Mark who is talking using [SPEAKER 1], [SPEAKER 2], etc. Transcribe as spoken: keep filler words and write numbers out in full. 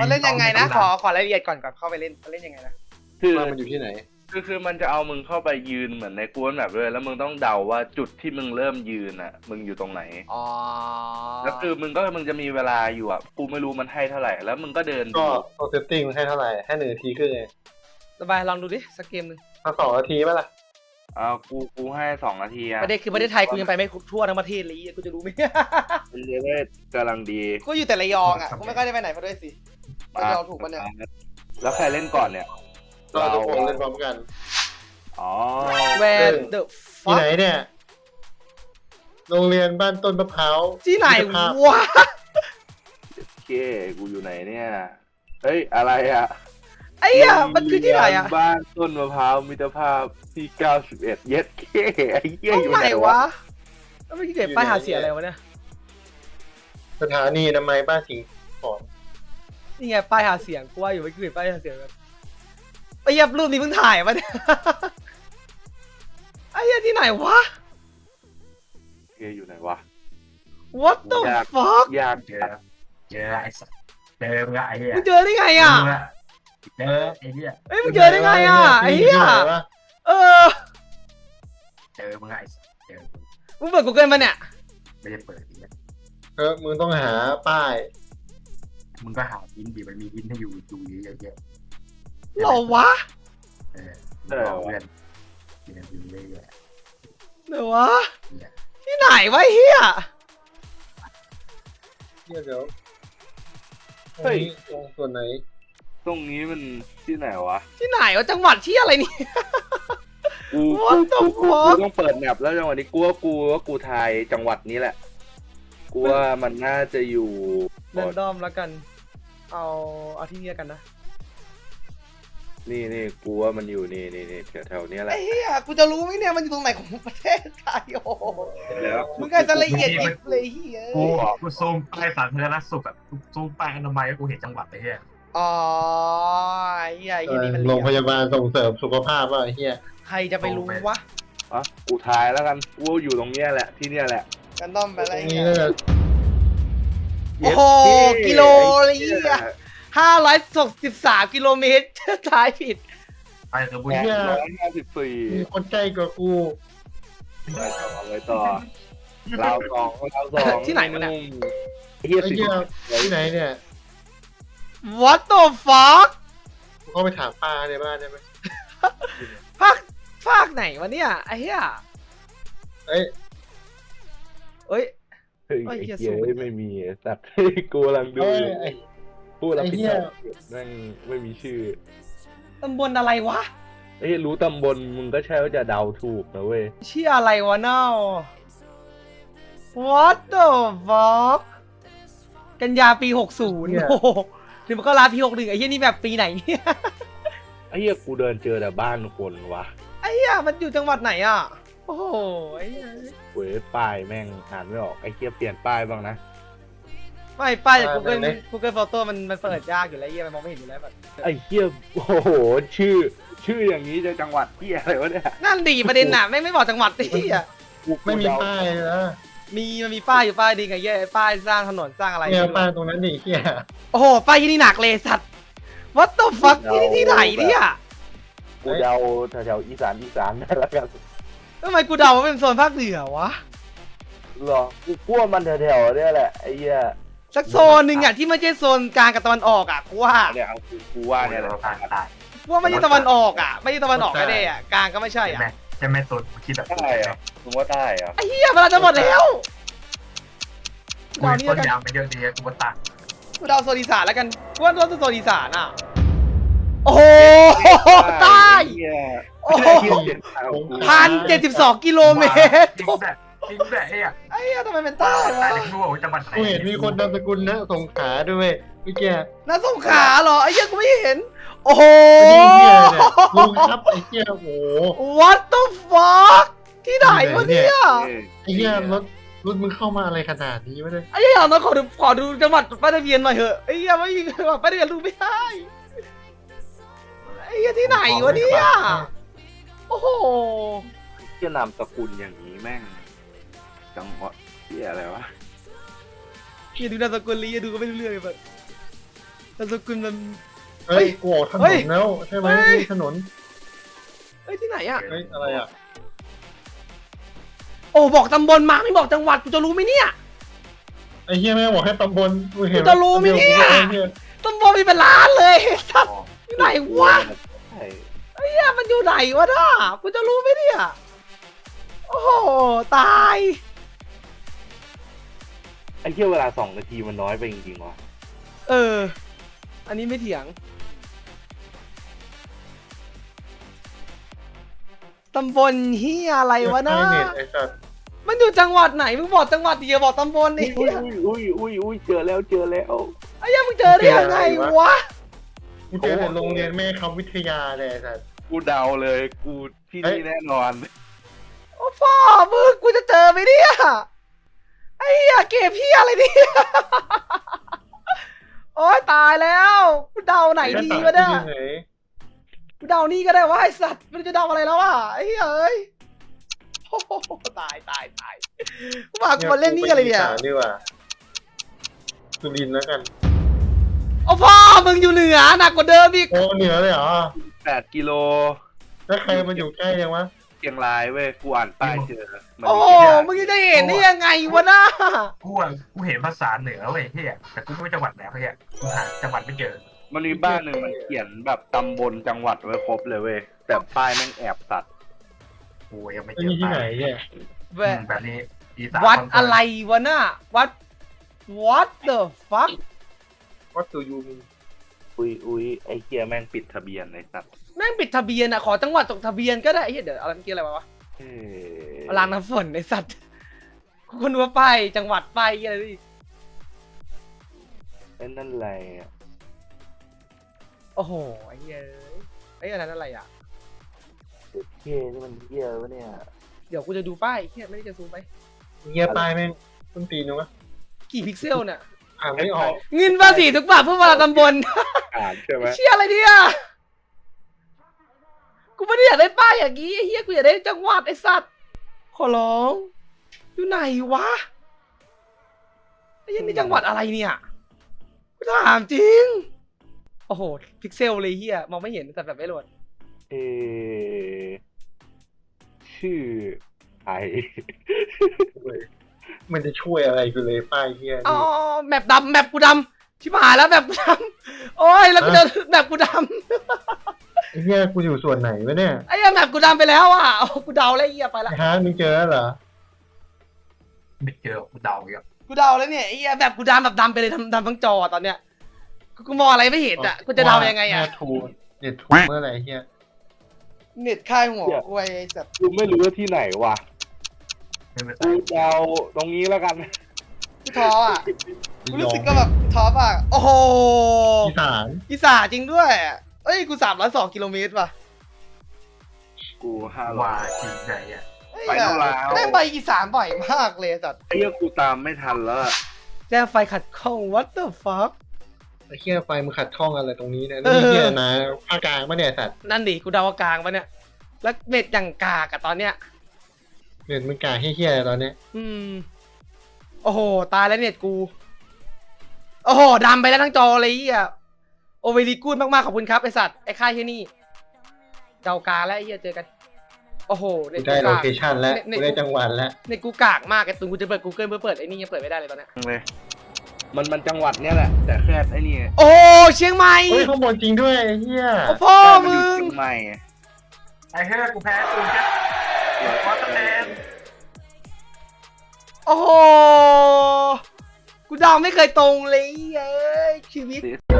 [SPEAKER 1] มันเล่นยังไงนะขอขอรายละเอียดก่อนก่อนเข้าไปเล่นมันเล่นยังไงนะ
[SPEAKER 2] คือ
[SPEAKER 3] มันอยู่ที่ไหน
[SPEAKER 2] คือคือมันจะเอามึงเข้าไปยืนเหมือนในกวนแบบเลยแล้วมึงต้องเดาว่าจุดที่มึงเริ่มยืนอ่ะมึงอยู่ตรงไหน
[SPEAKER 1] อ๋อ
[SPEAKER 2] แล้วคือมึงก็มึงจะมีเวลาอยู่อ่ะกูไม่รู้มันให้เท่าไหร่แล้วมึงก็เดิน
[SPEAKER 3] ก็ตัวเซตติ้งมันให้เท่าไหร่ให้หนึ่งนาทีครึ่งไง
[SPEAKER 1] สบายลองดูดิสักเกมหนึ่ง
[SPEAKER 3] เอาสองนาทีไหมล่ะ
[SPEAKER 2] อ่ากูกูให้สองนาทีอะ
[SPEAKER 1] ประเด็นคือประเทศไทยกูยังไปไม่ทั่วทั้งประเทศเลยกูจะรู้ไหม
[SPEAKER 2] เป็นเลเวลกำลังดี
[SPEAKER 1] กูอยู่แต่ระยองอ่ะกูไม่ค่อยได้ไปไหนมาด้วยสิระยองถูกปะเนี่ย
[SPEAKER 2] แล้วใครเล่นก่อนเนี่ย
[SPEAKER 3] เราทุกคนเล่นพร้อมกัน
[SPEAKER 2] อ๋อ
[SPEAKER 1] แวนเดอะ
[SPEAKER 3] ที่ไหนเนี่ยโรงเรียนบ้านต้นมะพร้าว
[SPEAKER 1] ที่ไหนวะ
[SPEAKER 2] โอเคกูอยู่ไหนเนี่ยเฮ้ยอะไรอ่ะ
[SPEAKER 1] ไอ้เหี้ยมันคือที่ไหนอ่ะ
[SPEAKER 2] บ้านต้นมะพร้าวมิตรภาพที่เก้าสิบเอ็ดเย็ดเคไอ้เหี้ยอยู่ไหนวะ
[SPEAKER 1] แล้วไม่เก็บป้ายหาเสียอะไรวะเนี่ย
[SPEAKER 3] สถานีอนามัยบ้านสิงห์ขอน
[SPEAKER 1] นี่ไงป้ายหาเสียงกูว่าอยู่ไม่เก็บป้ายหาเสียงแบบไอ้เหี้ยรูปนี้เพิ่งถ่ายมาเนี่ยไอ้เหี้ยที่ไหนวะ
[SPEAKER 2] เฮ้ยอยู่ไหนวะ
[SPEAKER 1] What the fuck
[SPEAKER 2] ยากเจอ
[SPEAKER 4] เจอไอ้สัสเจอมึงไอ้เหี้ย
[SPEAKER 1] มึงเจอได้ไงอ่ะ
[SPEAKER 4] เจอไอ้เหี้ย
[SPEAKER 1] เอ้ยมึงเจอได้ไงอ่ะไอ้เหี้ยเออ
[SPEAKER 4] เจอมึงไอ้เจอ
[SPEAKER 1] มึงเปิด Google มาเนี่ย
[SPEAKER 4] ไม่ได้เปิดอีกแล้ว
[SPEAKER 3] เออมึงต้องหาป้าย
[SPEAKER 4] มึงก็หาอินดีมันมีอินให้อยู่ดูเยอะแยะ
[SPEAKER 1] หรอวะ
[SPEAKER 4] เออเออเพื่อนกินดูเรื่อยๆ
[SPEAKER 1] เดี๋ยววะที่ไหนวะเฮีย
[SPEAKER 3] เฮียเดี๋ยวเฮ้ยตรงส่วนไหน
[SPEAKER 2] ตรงนี้มันที่ไหนวะ
[SPEAKER 1] ที่ไหนวะจังหวัดที่อะไรนี่
[SPEAKER 2] กูกูกูต้องเปิดแมปแล้วจังหวัดนี้กูว่ากูว่ากูทายจังหวัดนี้แหละกูว่ามันน่าจะอยู่
[SPEAKER 1] เรนดอมแล้วกันเอาเอาที่นี่กันนะ
[SPEAKER 2] นี่นี่กูว่ามันอยู่นี่นี่นี่แถวๆนี้แหละ
[SPEAKER 1] ไอ้เหี้ยกูจะรู้ไหมเนี่ยมันอยู่ตรงไหนของประเทศไทยโอ้แล้วมึงก็จะละเอียดยิบเลยเหี้ย
[SPEAKER 4] กูกูซูมไปสาธารณสุขแบบซูมไปอนามัยกูเห็นจังหวัดไอ้เหี้ย
[SPEAKER 1] อ๋อไอ้เหี้ยไอ้เหี้ยนี่มัน
[SPEAKER 3] โรงพยาบาลส่งเสริมสุขภาพว่ะไอ้เหี้ย
[SPEAKER 1] ใครจะไปรู้วะ
[SPEAKER 2] อ๋อกูทายแล้วกันกูอยู่ตรงเนี้ยแหละที่เนี้ยแหละ
[SPEAKER 1] กันต้อมไปอะไรเงี้ยโอ้โหกิโลเลยเหี้ยห้าร้อยหกสิบสามกิโลเมตรทายผิด
[SPEAKER 4] ไปคือบุญ
[SPEAKER 3] เหี้ย
[SPEAKER 2] ร้อยห้าสิบสี่
[SPEAKER 3] มีคนใกล้กว่ากู
[SPEAKER 2] ไปต่อไปต่อเราสองเราสอง
[SPEAKER 1] ที่ไหนมันเนี่ย
[SPEAKER 3] เหี้ยที่ไหนเนี่ย
[SPEAKER 1] What the fuck
[SPEAKER 3] เข้าไปถามป้าในบ้านได้ไหม
[SPEAKER 1] ภาคภาคไหนวะเนี่ยไอ้เหี้ย
[SPEAKER 3] เอ้ย
[SPEAKER 1] เอ้ย
[SPEAKER 2] เฮ้ยไอ้เหี้ยไม่มีสัตว์กูกำลังดูพูดแล้วพี่แม่งไม่มีชื่อ
[SPEAKER 1] ตำบลอะไรวะ
[SPEAKER 2] เอ้ยรู้ตำบลมึงก็ใช่ว่าจะเดาถูกนะเว้ย
[SPEAKER 1] ชื่ออะไรวะเน่า What the fuck กันยาปีหกสิบโอ้โหถึงมันก็ลาปีหกสิบไอ้เหี้ยนี่แบบปีไหนเนี่ย
[SPEAKER 2] ไอ้เหี้ยกูเดินเจอแต่บ้านคนวะ
[SPEAKER 1] ไอ้เหี้ยมันอยู่จังหวัดไหนอ่ะโอ้โหไอ้เหี้ย
[SPEAKER 2] เว้ยป้ายแม่งอ่านไม่ออกไอ้เหี้ยเปลี่ยนป้ายบ้างนะ
[SPEAKER 1] ไม่ป้ายจาก Google Google Photo มันมันเปิดยากอยู่แล้วเหี้ยมันมองไม่เห็นอยู่แล้วแบบ
[SPEAKER 2] ไอ้เหี้ยโอ้โหชื่อชื่ออย่างนี้จะจังหวัดเหี้ยอะไรวะเนี่ย
[SPEAKER 1] นั่นดีประเด็นน่ะไม่ไม่บอกจังหวัดดิเหี้ย
[SPEAKER 3] ไม่มีป้ายนะ
[SPEAKER 1] มีมันมีป้ายอยู่ป้ายดีไงเหี้ยป้ายสร้างถนนสร้างอะไร
[SPEAKER 3] เนี่ยป้ายตรงนั้นดิเหี้ย
[SPEAKER 1] โอ้โหป้ายที่นี่หนักเลยสัตว์ What the fuck ที่นี่ที่ไหนเนี่ย
[SPEAKER 2] กูเดาแถวๆอีสานอีสานนั่นละกัน
[SPEAKER 1] ทำไมกูเดาว่าเป็นโซนภาคเหนือวะ
[SPEAKER 2] หรอกูกลัวมันแถวๆเนี่ยแหละไอ้เหี้ย
[SPEAKER 1] สักโซนหนึ่งอ่ะที่ไม่ใช่โซนกลางกับตะวันออกอ่ะกูว่า
[SPEAKER 2] เนี่ยเอากูว่าเนี่ยแหละ
[SPEAKER 1] กูว่าไม่ใช่ตะวันออกอ่ะไม่ใช่ตะวันออกก็ได้อ่ะกลางก็ไม่ใช่อ่ะ
[SPEAKER 4] ใช่ไหมโซนคิดแบบ
[SPEAKER 2] ใช่อ่ะมึงว่าได้อ่ะ
[SPEAKER 1] ไอ้เหี้ยเวลาจะหมดแล้ว
[SPEAKER 4] กูเดาต้นยางมันเยอะดีกูว่าตัด
[SPEAKER 1] กูเดาโซนอีสานแล้วกันกูว่าโซนอีสานอ่ะโอ้โหใต้โอ้โหพันเจ็ดสิบสองกิโลเมตร
[SPEAKER 4] จริงแบบจริงแบบไอ้อะ
[SPEAKER 1] ไอ้อะทำไมเป็นใต้วะ
[SPEAKER 3] กูเห็นมีคนนามสกุลนะสงขลาด้วยเมื่อกี้
[SPEAKER 1] น่าสงขลาเหรอไอ้เหี้ยกูไม่เห็นโอ้โห
[SPEAKER 3] ลุงครับไอ้เหี้ยโอ้โห
[SPEAKER 1] What the fuck ที่ไหนวะเนี่ย
[SPEAKER 3] ไอ้เหี้ยรถรถมึงเข้ามาอะไรขนาดนี้วะเนี่ย
[SPEAKER 1] ไอ้เหี้ยน้องขอดูขอดูจังหวัดป้ายทะเบียนหน่อยเถอะไอ้เหี้ยไม่มีป้ายทะเบียนรู้ไม่ได้ไอ้เหี้ยที่ไหนวะเนี่ยโอ้โห
[SPEAKER 2] จะนามสกุลอย่างนี้แม่งจังหวัดที่อะไรวะ
[SPEAKER 1] อย่าดูนามสกุลลีอย่าดูก็ไม่รู้เรื่องเลยแบบนามสกุลมัน
[SPEAKER 3] เฮ้ยกูออกถน
[SPEAKER 1] เฮ้ย
[SPEAKER 3] นแล้วใช่ไหม
[SPEAKER 1] เฮ้ย
[SPEAKER 3] นี่ถนน
[SPEAKER 1] เฮ้ยที่ไหนอ่ะ
[SPEAKER 3] เฮ้ยอะไรอ่ะ
[SPEAKER 1] โอ้บอกตำบลมาไม่บอกจังหวัดกูจะรู้ไหมเนี่ย
[SPEAKER 3] ไอ้เหี้ยแม่งบอกให้ตำบลกูเห็น
[SPEAKER 1] กูจะรู้ไหมเนี่ย
[SPEAKER 3] เหี้ย
[SPEAKER 1] ตำบลมีเป็นล้านเลยสัตว์
[SPEAKER 4] อ๋อ
[SPEAKER 1] ที่ไหนวะ
[SPEAKER 2] ใช่
[SPEAKER 1] ไอ้เหี้ยมันอยู่ไหนวะน่ะกูจะรู้ไหมเนี่ยโอ้โหตาย
[SPEAKER 2] ไอ้เที่ยวเวลาสองนาทีมันน้อยไปจริงๆว่ะ
[SPEAKER 1] เออ อันนี้ไม่เถียงตำบลเฮียอะไรวะน่ะ
[SPEAKER 3] ไอ้เน็ตไอ้สัตว์
[SPEAKER 1] มันอยู่จังหวัดไหนมึงบอกจังหวัดดีอย่าบอกตำบลนี่
[SPEAKER 2] อุ้ยอุ้ยอุ้ยอุ้ยเจอแล้วเจอแล้ว
[SPEAKER 1] ไอ้เหี้ยมึงเจอได้ยังไงวะ
[SPEAKER 3] กูเจอแต่โรงเรียนแม่คำวิทยาเลยไอ้สัตว์
[SPEAKER 2] กูเดาเลยกูที่
[SPEAKER 3] เฮ้ย
[SPEAKER 2] นี่แน่นอน
[SPEAKER 1] โอ้พ่อมึงกูจะเจอไหมเนี่ยไอ้เหี้ยเก็บเหี้ยอะไรเนี่ยโอ้ยตายแล้วกูเดาไหนดีวะเนี่ย
[SPEAKER 3] ไอ้สัตว์ที่ไหน
[SPEAKER 1] กูเดานี่ก็ได้ว่าไอ้สัตว์มันจะเดาอะไรแล้วอ่ะไอ้เหี้ยเอ้ยโอ้โหตายตายตายกูมากูมาเล่นนี่อะไรเนี่ย
[SPEAKER 3] กูปอีสาดีกว่าสุรินทร์แล้วกัน
[SPEAKER 1] โอ้พ่อมึงอยู่เหนือหนักกว่าเดิมอีก
[SPEAKER 3] โอ้เหนือเลยเหรอ
[SPEAKER 2] แปดกิโล
[SPEAKER 3] แล้วใครมันอยู่ใกล้ยังวะ
[SPEAKER 2] เชียงรายเว้ยกูอ่านป้ายเจอมัน
[SPEAKER 1] โอ้
[SPEAKER 2] มีเชียงราย
[SPEAKER 1] มึงจะเห็นได้ยังไงวะน่ะ
[SPEAKER 4] กูอะกูเห็นภาษาเหนือเว้ยเฮียแต่กูไม่รู้จังหวัดไหนเฮียกูหาจังหวัดไม่เจอ
[SPEAKER 2] มันมีบ้านหนึ่งมันเขียนแบบตำบลจังหวัดไว้ครบเลยเว้ยแต่ป้ายแม่งแอบตัด
[SPEAKER 4] กูยังไม่
[SPEAKER 3] ไอ้
[SPEAKER 4] เจอ
[SPEAKER 3] นี่ที่ไหนเนี่ย
[SPEAKER 1] แว
[SPEAKER 4] อืมแบบนี้อีสาน
[SPEAKER 1] วัด
[SPEAKER 4] คอนเฟิร์ม
[SPEAKER 1] อะไรวะน่ะวัด what the fuck
[SPEAKER 3] วัดสุยูง
[SPEAKER 2] อุ้ยอุ้ยไอ้เคียแม่งปิดทะเบียนไอ้สัตว์
[SPEAKER 1] แม่งปิดทะเบียนอ่ะขอจังหวัดจดทะเบียนก็ได้ไอ้เหี้ยเดี๋ยวอะไรเมื่อกี้อะไรวะ
[SPEAKER 2] เอ้
[SPEAKER 1] รางน้ำฝนไอ้สัตว์กูก็นึกว่าป้ายจังหวัดป้ายอะไรนี่
[SPEAKER 2] ไอ้นั่นอะไรอ่ะ
[SPEAKER 1] โอ้โหไอ้เหี้ยไอ้ยอันนั้นอะไรอ่ะ
[SPEAKER 2] เที่ยนี่มันเที่ยวะเนี่ย
[SPEAKER 1] เดี๋ยวกูจะดูป้ายเหี้ยไม่ได้จะซูมไป
[SPEAKER 3] เงียป้ายแม่งต้นตีนนะวะ
[SPEAKER 1] กี่พิกเซลเนี่ย
[SPEAKER 3] อ่านไม่ออก
[SPEAKER 1] เงินภาษีทุกบาทเพื่อมาตำบล
[SPEAKER 2] อ่านใช่ไหม
[SPEAKER 1] เชี่ยอะไรเนี่ยกูไม่ได้อยากได้ป้ายอย่างงี้ไอ้เหี้ยกูอยากได้จังหวัดไอ้สัตว์ขอร้องอยู่ไหนวะไอ้เหี้ยนี่จังหวัดอะไรเนี่ยกูถามจริงโอ้โหพิกเซลเลยเหี้ยมองไม่เห็นแต่แบบไม่รวด
[SPEAKER 2] เออชื่อไอ
[SPEAKER 3] มันจะช่วยอะไรกูเลยป้ายเฮีย
[SPEAKER 1] อ๋อ
[SPEAKER 3] นี่
[SPEAKER 1] แมปดำแมปกูดำชิบหายแล้วแมปกูดำโอ้ยแล้วกูเจอแมปกูด
[SPEAKER 3] ไอ้เฮียกูอยู่ส่วนไหนวะเนี่ย
[SPEAKER 1] ำไอ้เหี้ยแมปกูดำไปแล้วอ่ะโอ้กูเดาแล้วไอ้เหี้ยไปละ
[SPEAKER 3] ไอ้ฮาร์ดมึงเจอแล้วเหรอ
[SPEAKER 4] ไม่เจอกูเดาอีกอะ
[SPEAKER 1] กูเดาแล้วเนี่ยไอ้เหี้ยแมปกูดำแบบดำไปเลยดำดำทั้งจอตอนเนี้ยกูกูมองอะไรไม่เห็นอ่ะกูจะเดายังไงอ่ะ
[SPEAKER 3] เน็ตทูเน็ตทูเมื่อไหร่เฮีย
[SPEAKER 1] เน็ตค่ายหัวกูไอ้สัตว์
[SPEAKER 2] กูไม่รู้ว่าที่ไหนวะ
[SPEAKER 4] ไม่เป็นไร
[SPEAKER 2] กูเดาตรงนี้แล้วกัน
[SPEAKER 1] กูท้ออ่ะกูรู้สึกก็แบบท้อป่ะโอ้โห
[SPEAKER 3] อีสาน
[SPEAKER 1] อีสานจริงด้วยเอ้ยกูสามร้อยสองกิโลเมตรว่ะ
[SPEAKER 2] กูห้าร้อ
[SPEAKER 4] ว่าย จริงใจอ่ะ
[SPEAKER 1] เอ้ย
[SPEAKER 2] ไปนู่นแล้ว
[SPEAKER 1] แม่งไปอีสานบ่อยมากเลยสัตว์
[SPEAKER 2] ไอ้เหี้ยกูตามไม่ทันแล้วอะ
[SPEAKER 1] แจ้งไฟขัดข้อง what the fuck
[SPEAKER 3] ไอ้เฮียไฟมึงขัดข้องอะไรตรงนี้เนี่ย
[SPEAKER 1] เออ
[SPEAKER 3] นี่เฮียนะภาคกลางปะเนี่ยสัตว์
[SPEAKER 1] นั่นดิกูเดาว่ากลางปะเนี่ยแล้วเน็ตอย่างกากอะตอนเนี้ย
[SPEAKER 3] เน็ตมึงกาเฮียๆอะไรตอนเนี้ย
[SPEAKER 1] อืม โอ้โห ตายแล้วเน็ตกู โอ้โหดำไปแล้วทั้งจอเลยอ่ะโอเวรีกูดมากๆ ขอบคุณครับ ไอสัตว์ ไอค่ายที่นี่เดากาแล้วไอ้เหี้ยเจอกัน โอ้โหเน็
[SPEAKER 3] กู
[SPEAKER 1] ต
[SPEAKER 3] ได้
[SPEAKER 1] กู
[SPEAKER 3] โล
[SPEAKER 1] กาก
[SPEAKER 3] เคชั่นแล้ว
[SPEAKER 1] เน็ต
[SPEAKER 3] กูได้จังหวัดแล้ว
[SPEAKER 1] เน็ตกูกากมากไอตุนกูจะเปิด Google เพื่อเปิดไอ้นี่ยังเปิดไม่ได้เลยตอนเนี้ย
[SPEAKER 2] เลยมันมันจังหวัดเนี้ยแหละ แต่แค่ไอ้นี่
[SPEAKER 1] โอ้เชียงใหม่
[SPEAKER 3] เฮ้ยข้างบนจริงด้วยไอ้เฮีย
[SPEAKER 1] โอ้พ่อ
[SPEAKER 2] แค่มัน
[SPEAKER 1] มึ
[SPEAKER 2] อยู่
[SPEAKER 1] ง
[SPEAKER 2] เชียงใหม่
[SPEAKER 4] ไอ้เฮ้ยกูแพ้กูแค่วอเตอร์แมน
[SPEAKER 1] โอ้โห กูเดาไม่เคยตรงเลยเอ้ยชีวิต